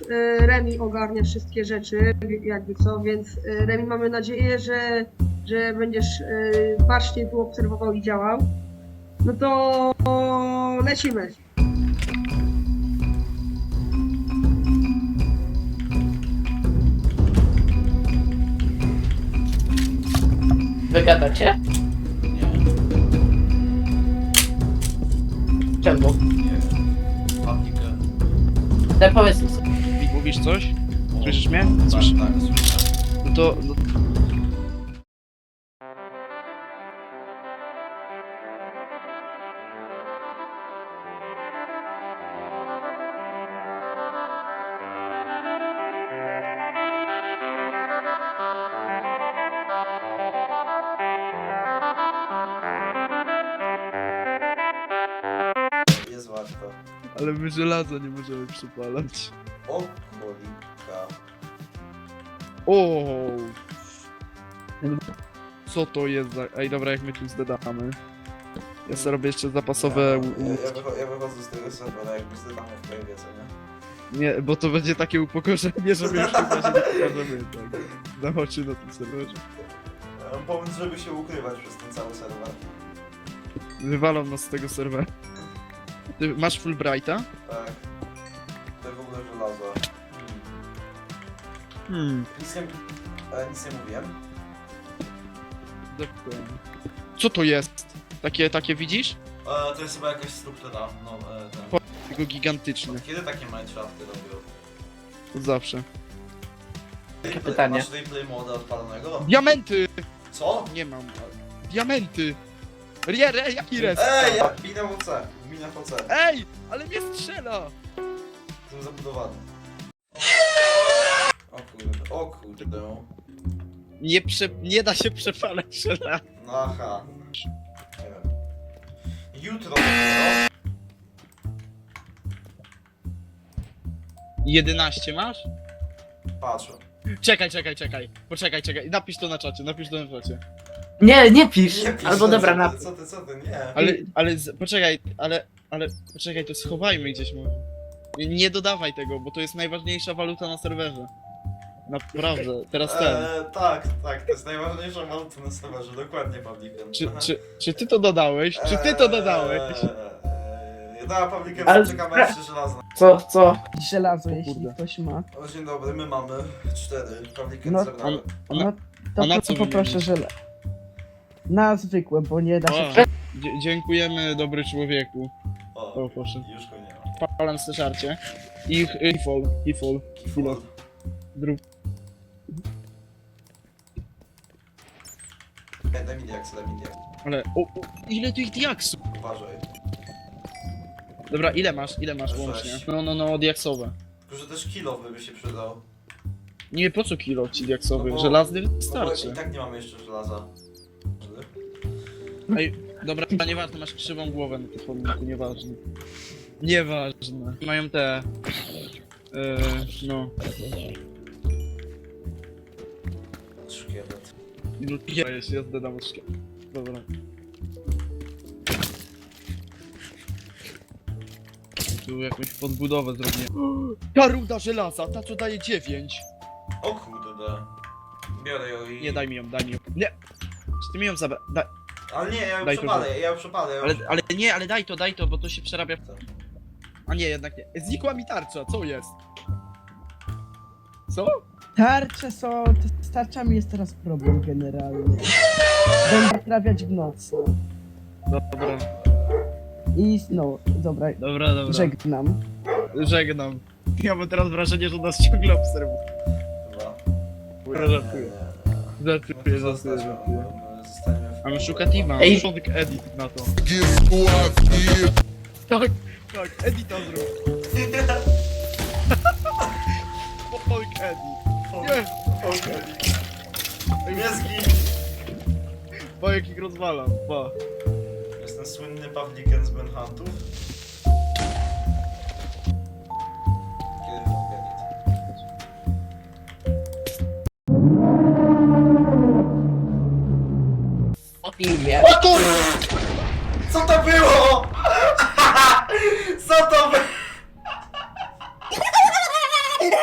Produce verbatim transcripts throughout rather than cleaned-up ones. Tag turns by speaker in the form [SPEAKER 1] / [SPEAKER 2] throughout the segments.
[SPEAKER 1] e, Remi ogarnia wszystkie rzeczy, jakby co, więc e, Remi, mamy nadzieję, że, że będziesz e, bacznie tu obserwował i działał. No to lecimy.
[SPEAKER 2] Wygadacie?
[SPEAKER 3] Nie,
[SPEAKER 2] Czemu?
[SPEAKER 3] nie wiem. Paplikę.
[SPEAKER 2] No powiedz mi sobie.
[SPEAKER 4] Mówisz coś? Słyszysz mnie?
[SPEAKER 3] Tak,
[SPEAKER 4] Słyszę.
[SPEAKER 3] tak, słyszę.
[SPEAKER 4] No to... No...
[SPEAKER 3] Jest łatwo.
[SPEAKER 4] Ale my żelaza nie możemy przypalać.
[SPEAKER 3] O, cholika.
[SPEAKER 4] O. Co to jest za... Ej, dobra, jak my tu zdedamy. Ja sobie robię jeszcze zapasowe...
[SPEAKER 3] Ja,
[SPEAKER 4] łódki.
[SPEAKER 3] ja, ja, wycho ja wychodzę z tego serwera, jakby zdedamy w prawie, co nie?
[SPEAKER 4] Nie, bo to będzie takie upokorzenie, że my już chyba się nie pokażemy, tak. Na oczy na tym serwerze.
[SPEAKER 3] Ja mam pomysł, żeby się ukrywać przez ten cały serwer.
[SPEAKER 4] Wywalą nas z tego serwera. Ty masz Fulbrighta?
[SPEAKER 3] Tak. To w ogóle żelazo. Hmm.
[SPEAKER 4] Hmm.
[SPEAKER 3] Nic nie, e, nic nie mówiłem.
[SPEAKER 4] Dokładnie. Co to jest? Takie, takie widzisz?
[SPEAKER 3] E, to jest chyba jakaś struktura. No, e, ten.
[SPEAKER 4] Tylko gigantyczny.
[SPEAKER 3] Kiedy takie Minecrafty robią?
[SPEAKER 4] Od zawsze.
[SPEAKER 3] Replay-
[SPEAKER 2] pytanie.
[SPEAKER 3] Masz replay moda odpalonego?
[SPEAKER 4] Diamenty!
[SPEAKER 3] Co?
[SPEAKER 4] Nie mam. Diamenty! Rie, re, jaki res?
[SPEAKER 3] Ej, ja, mina W C, mina W C.
[SPEAKER 4] Ej! Ale mnie strzela!
[SPEAKER 3] Jestem zabudowany. O kurde, o kurde.
[SPEAKER 4] Nie, prze, nie da się przepalać żelaza.
[SPEAKER 3] No aha. Nie wiem. Jutro dopiero.
[SPEAKER 4] jedenaście masz?
[SPEAKER 3] Patrzę.
[SPEAKER 4] Czekaj, czekaj, czekaj. Poczekaj, czekaj. Napisz to na czacie, napisz to na czacie.
[SPEAKER 2] Nie, nie pisz.
[SPEAKER 3] Nie pisz,
[SPEAKER 2] Albo
[SPEAKER 3] co
[SPEAKER 2] dobra,
[SPEAKER 3] ty,
[SPEAKER 2] napisz.
[SPEAKER 3] Co ty, co ty, nie.
[SPEAKER 4] Ale, ale, z, poczekaj, ale, ale, poczekaj, to schowajmy gdzieś może. Nie, nie dodawaj tego, bo to jest najważniejsza waluta na serwerze. Naprawdę, teraz ten.
[SPEAKER 3] Eee, tak, tak, to jest najważniejsza waluta na serwerze, dokładnie, Pawlikiem.
[SPEAKER 4] Czy, czy, czy ty to dodałeś? Czy ty to dodałeś?
[SPEAKER 3] Eee, da, Pawlikiem,
[SPEAKER 2] Ale-
[SPEAKER 3] czekamy jeszcze żelazne.
[SPEAKER 2] Co, co?
[SPEAKER 5] Żelazo,
[SPEAKER 4] O
[SPEAKER 5] jeśli
[SPEAKER 4] kurde.
[SPEAKER 5] ktoś ma.
[SPEAKER 3] O, dzień dobry, my mamy cztery. Pawlikiem
[SPEAKER 5] No,
[SPEAKER 3] zebrałem.
[SPEAKER 4] Ona-
[SPEAKER 5] No to
[SPEAKER 4] a na
[SPEAKER 5] po-
[SPEAKER 4] co
[SPEAKER 5] poproszę
[SPEAKER 4] wymienić?
[SPEAKER 5] żele. Na zwykłe, bo nie da się.
[SPEAKER 4] O, dzie- dziękujemy, dobry człowieku.
[SPEAKER 3] O,
[SPEAKER 4] O, proszę.
[SPEAKER 3] już go nie ma.
[SPEAKER 4] Palam z żarcie. I hifol, hifol, chwilę. Drób.
[SPEAKER 3] Ej, daj mi diaks, daj mi diaks.
[SPEAKER 4] Ale, o, o, ile tych diaksów?
[SPEAKER 3] Uważaj.
[SPEAKER 4] Dobra, ile masz, ile masz
[SPEAKER 3] Sześć.
[SPEAKER 4] łącznie? No, no, no, diaksowe.
[SPEAKER 3] Tylko, że też kilowy by się przydał.
[SPEAKER 4] Nie, po co kilo ci diaksowy?
[SPEAKER 3] No bo-
[SPEAKER 4] Żelazny
[SPEAKER 3] No bo
[SPEAKER 4] wystarczy.
[SPEAKER 3] i tak nie mamy jeszcze żelaza.
[SPEAKER 4] Ej, dobra, nieważne, masz krzywą głowę na tym pomniku, nieważne. Nieważne. Mają te... Yy, no...
[SPEAKER 3] Szkielet.
[SPEAKER 4] Ja jeśli ja zdedam od szkieł. Dobra. Tu jakąś podbudowę zrobiłem. Ta ruda żelaza, ta co daje dziewięć.
[SPEAKER 3] O kurde. Biorę ją i...
[SPEAKER 4] Nie, daj mi ją, daj mi ją. Nie! Czy ty mi ją zabra... Daj.
[SPEAKER 3] Ale nie, ja ją
[SPEAKER 4] Daj to,
[SPEAKER 3] przepalę, ja ją przepalę. Ja ją
[SPEAKER 4] Ale,
[SPEAKER 3] przepalę.
[SPEAKER 4] ale nie, ale daj to, daj to, bo to się przerabia. A nie, jednak nie. Znikła mi tarcza, co jest? Co?
[SPEAKER 5] Tarcze są. t- Z tarczami jest teraz problem generalnie. Będę trafiać w nocy.
[SPEAKER 4] Dobra,
[SPEAKER 5] I no, dobra,
[SPEAKER 4] dobra, dobra.
[SPEAKER 5] żegnam.
[SPEAKER 4] Żegnam. Ja mam teraz wrażenie, że nas ciągle obserwuje.
[SPEAKER 3] Chyba.
[SPEAKER 4] Ja żartuję. Żartuję, żartuję, żartuję. A my szuka Tima,
[SPEAKER 2] Ej.
[SPEAKER 4] początek edit na to. Tak, tak, edita zrób. Początek edit. Nie!
[SPEAKER 3] Nie zgin!
[SPEAKER 4] Pa, jak ich rozwalam, pa.
[SPEAKER 3] Jestem słynny Pawliken z Manhuntów. Kiedy mogę edit?
[SPEAKER 2] O filmie.
[SPEAKER 3] O kur... Co to było? Co to było?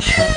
[SPEAKER 3] Dobra.